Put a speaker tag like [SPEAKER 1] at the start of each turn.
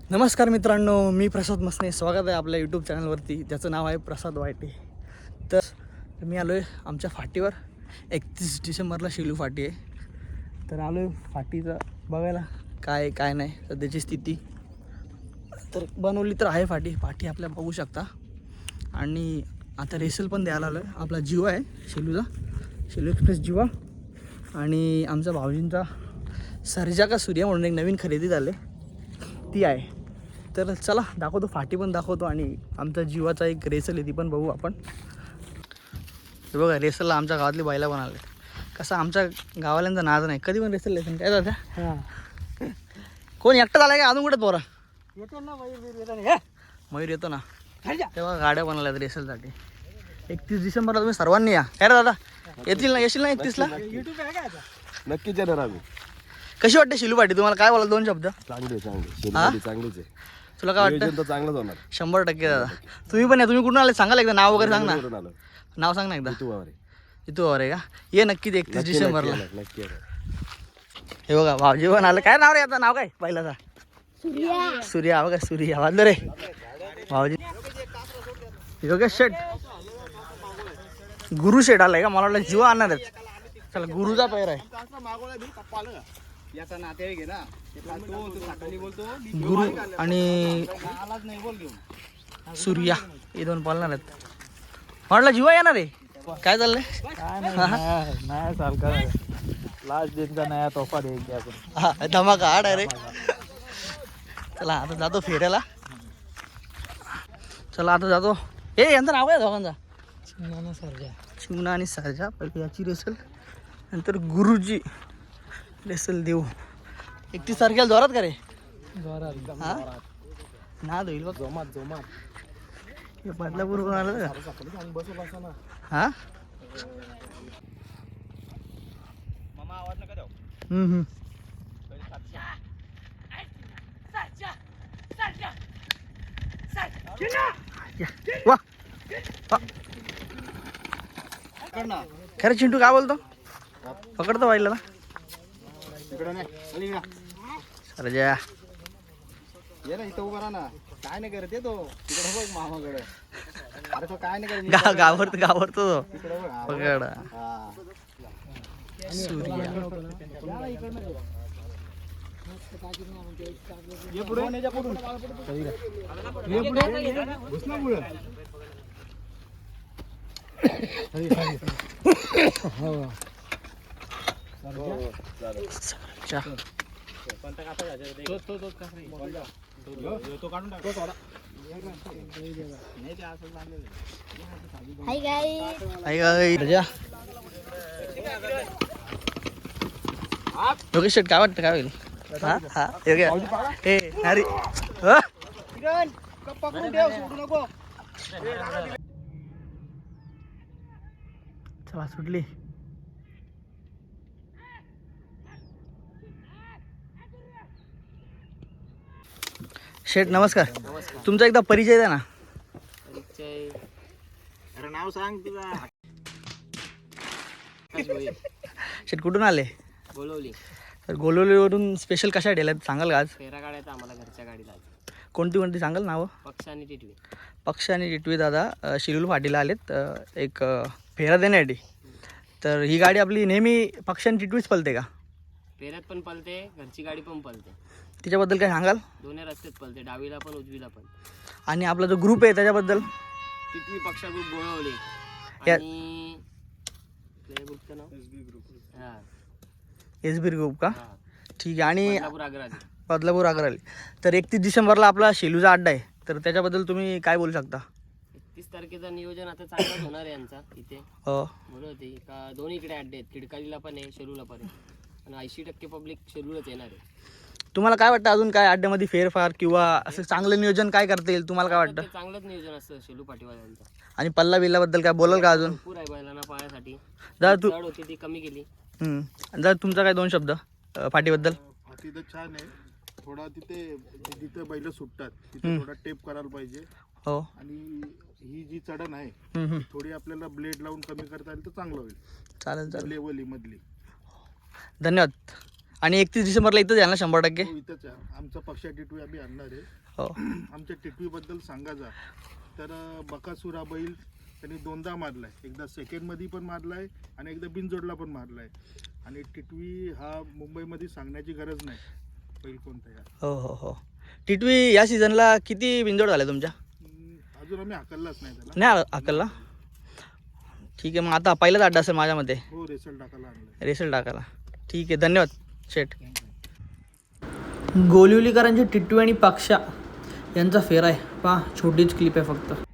[SPEAKER 1] नमस्कार मित्रांनो, मी प्रसाद मसने. स्वागत आहे आपल्या यूट्यूब चॅनलवरती, ज्याचं नाव आहे प्रसाद वायटे. तर मी आलो आहे आमच्या फाटीवर. 31 डिसेंबरला शेलू फाटी आहे. तर आलो आहे फाटीचं बघायला काय काय नाही सध्याची स्थिती. तर बनवली तर आहे फाटी आपल्या बघू शकता. आणि आता रेसल पण द्यायला आलो आहे. आपला जीवा आहे शेलूचा, शेलू एक्सप्रेस जीवा. आणि आमचा भाऊजींचा सर्जा का सूर्या म्हणून एक नवीन खरेदी झाले ती आहे. तर चला दाखवतो, फाटी पण दाखवतो आणि आमचा जीवाचा एक रेसल आहे ती पण बघू आपण. हे बघा, रेसलला आमच्या गावातली बैला पण आले. कसं आमच्या गावाल्यांचा नाद नाही, कधी पण रेसल लेसन काय जातं. हां, कोण एकटं झालं का अजून कुठे पोरा येतो ना? मयूर येतो ना. तेव्हा गाड्या बनवल्यात रेसलसाठी. 31 डिसेंबरला तुम्ही सर्वांनी या. काय रे दादा, येतील ना? येशील ना 31ला?
[SPEAKER 2] नक्कीच येणार आम्ही.
[SPEAKER 1] कशी वाटते शिलू फाटी तुम्हाला? काय बोला, दोन शब्द.
[SPEAKER 2] चांगलीच आहे.
[SPEAKER 1] तुला काय वाटतं?
[SPEAKER 2] तर चांगलंच होणार
[SPEAKER 1] 100% दादा. तुम्ही पण या. तुम्ही कुठून आले सांगाल एकदा, नाव वगैरे सांग ना.
[SPEAKER 2] कुठून आलो?
[SPEAKER 1] नाव सांग ना एकदा.
[SPEAKER 2] तू वावरे.
[SPEAKER 1] इथू आहे का? ये नक्कीच 31 डिसेंबरला.
[SPEAKER 2] नक्की येणार.
[SPEAKER 1] हे बघा भाऊजी पण आलं. काय नाव रे आता? नाव काय पहिल्याचा? सूर्या. बघा सूर्या वाजलं रे भाऊजी. योगेश शेठ, गुरु शेठ आलाय का? मला वाटलं जीवा आणणार आहेत. चला, गुरुचा पैर आहे. गुरु आणि सूर्या हे दोन पालणार आहेत. म्हटलं जीवा येणार आहे. काय चाललंय?
[SPEAKER 3] नया साल का लास्ट दिन का नया तोहफा देंगे अपन.
[SPEAKER 1] हा, धमाका हाड आहे रे. चला आता जातो फेऱ्याला. चला आता जातो. हे यांचं नाव काय दोघांचा? चिमणा आणि सर्जा. पहिले याची रेसल, नंतर गुरुजी रेसल देऊ. 31 तारखेला जोरात का रे? हा ना होईल बघ.
[SPEAKER 3] जोमात
[SPEAKER 1] हे बदलापूर आलं का? हा वा. खरं चिंटू काय बोलतो? पकडतो बाईला सर्जा.
[SPEAKER 3] ये ना इथं उभा राहा ना. काय नाही करत तो तिकडे बघ मामाकडे. अरे तो काय नाही करत.
[SPEAKER 1] गावरतो तो.
[SPEAKER 3] तिकडे बघ.
[SPEAKER 1] पकड
[SPEAKER 3] हा.
[SPEAKER 1] सूर्या.
[SPEAKER 3] ये पुढे. ये पुढे. घुस ना पुढे.
[SPEAKER 1] सर्जा.
[SPEAKER 4] Hi guys.
[SPEAKER 1] सर्जा. योगेश शेट, काय वाटतं काय होईल? हा हा हे अरे चला सुटली. शेठ नमस्कार. तुमचा एकदा परिचय द्या ना.
[SPEAKER 3] अरे नाव सांग तुझा.
[SPEAKER 1] शेठ कुठून आले?
[SPEAKER 5] बोलवली
[SPEAKER 1] तर गोलवलीवरून स्पेशल कशा ठेल्यात सांगाल का आज?
[SPEAKER 5] फेरा काढायचा आम्हाला घरच्या गाडीला.
[SPEAKER 1] कोणती सांगाल नावं?
[SPEAKER 5] पक्ष आणि टिटवी.
[SPEAKER 1] पक्ष आणि टिटवी दादा शिरूर फाटीला आलेत एक फेरा देण्यासाठी. तर ही गाडी आपली नेहमी पक्ष आणि टिटवीच पलते का?
[SPEAKER 5] फेऱ्यात पण पलते, घरची गाडी पण पलते.
[SPEAKER 1] तिच्याबद्दल काय सांगाल?
[SPEAKER 5] दोन्ही रस्त्यात पलते, डावीला पण उजवीला पण.
[SPEAKER 1] आणि आपला जो ग्रुप आहे त्याच्याबद्दल?
[SPEAKER 5] टिटवी पक्षा ग्रुप बोलवली.
[SPEAKER 1] या-
[SPEAKER 5] आणि कुठल्या ग्रुपचं नाव? हां
[SPEAKER 1] एसबी ग्रुप का?
[SPEAKER 5] हां.
[SPEAKER 1] ठीक आहे. आणि
[SPEAKER 5] बदलापूर आग्रा.
[SPEAKER 1] बदलापूर आग्राली. तर 31 डिसेंबरला आपला शेलूचा अड्डा आहे, तर त्याच्याबद्दल तुम्ही काय बोलू शकता?
[SPEAKER 5] 31 तारखेचं नियोजन आता चांगलंच होणार आहे यांचा इथे.
[SPEAKER 1] हो,
[SPEAKER 5] म्हणून होते का दोन्हीकडे अड्डे आहेत, खिडकालीला पण आहे, शेलूला पण आहे. आणि 80% पब्लिक शेलूलाच येणार आहे.
[SPEAKER 1] तुम्हाला काय वाटतं अजून काय अड्ड्यामध्ये फेरफार किंवा असं चांगलं नियोजन काय करता येईल? तुम्हाला काय वाटतं?
[SPEAKER 5] ते चांगलंच नियोजन असतं शेलू पाटीवाल्यांचं.
[SPEAKER 1] आणि पल्ला बिल्लाबद्दल काय बोलाल का अजून?
[SPEAKER 5] भरपूर आहे बैलांना पाळण्यासाठी.
[SPEAKER 1] दादा तू
[SPEAKER 5] चढ होती ती कमी केली.
[SPEAKER 1] दादा तुमचा काय दोन शब्द फाटीबद्दल?
[SPEAKER 6] तिथं छान आहे. थोडा तिथे बैल सुटतात, तिथे थोडा टेप करायला पाहिजे.
[SPEAKER 1] हो.
[SPEAKER 6] आणि ही जी चढण आहे थोडी आपल्याला ब्लेड लावून कमी करता आली तर चांगलं होईल.
[SPEAKER 1] चालेल चालेल.
[SPEAKER 6] लेवली मधली.
[SPEAKER 1] धन्यवाद. आणि 31 डिसेंबरला इथंच यायला 100%.
[SPEAKER 6] तो इथंच आहे. आमचा पक्षा टिटवी आम्ही आणणार आहे.
[SPEAKER 1] हो
[SPEAKER 6] आमच्या टिटवीबद्दल सांगायचा तर बकासुरा बैल त्यांनी 2दा मारलाय. एकदा सेकंडमध्ये पण मारलाय आणि एकदा बिनजोडला पण मारलाय. आणि टिटवी हा मुंबईमध्ये सांगण्याची गरज नाही बैल कोणता आहे.
[SPEAKER 1] हो हो हो. टिटवी या सीझनला किती बिंजोड झाल्या तुमच्या?
[SPEAKER 6] अजून आम्ही हाकललाच नाही त्याला.
[SPEAKER 1] नाही अकलला. ठीक आहे, मग आता पहिलाच अड्डा असेल माझ्या मते
[SPEAKER 6] हो रेसल टाकायला आणलं.
[SPEAKER 1] रेसल टाकायला. ठीक आहे, धन्यवाद शेठ. गोलिवलीकरांची टिटवी आणि पक्षा यांचा फेर आहे पहा, छोटीच क्लिप आहे फक्त.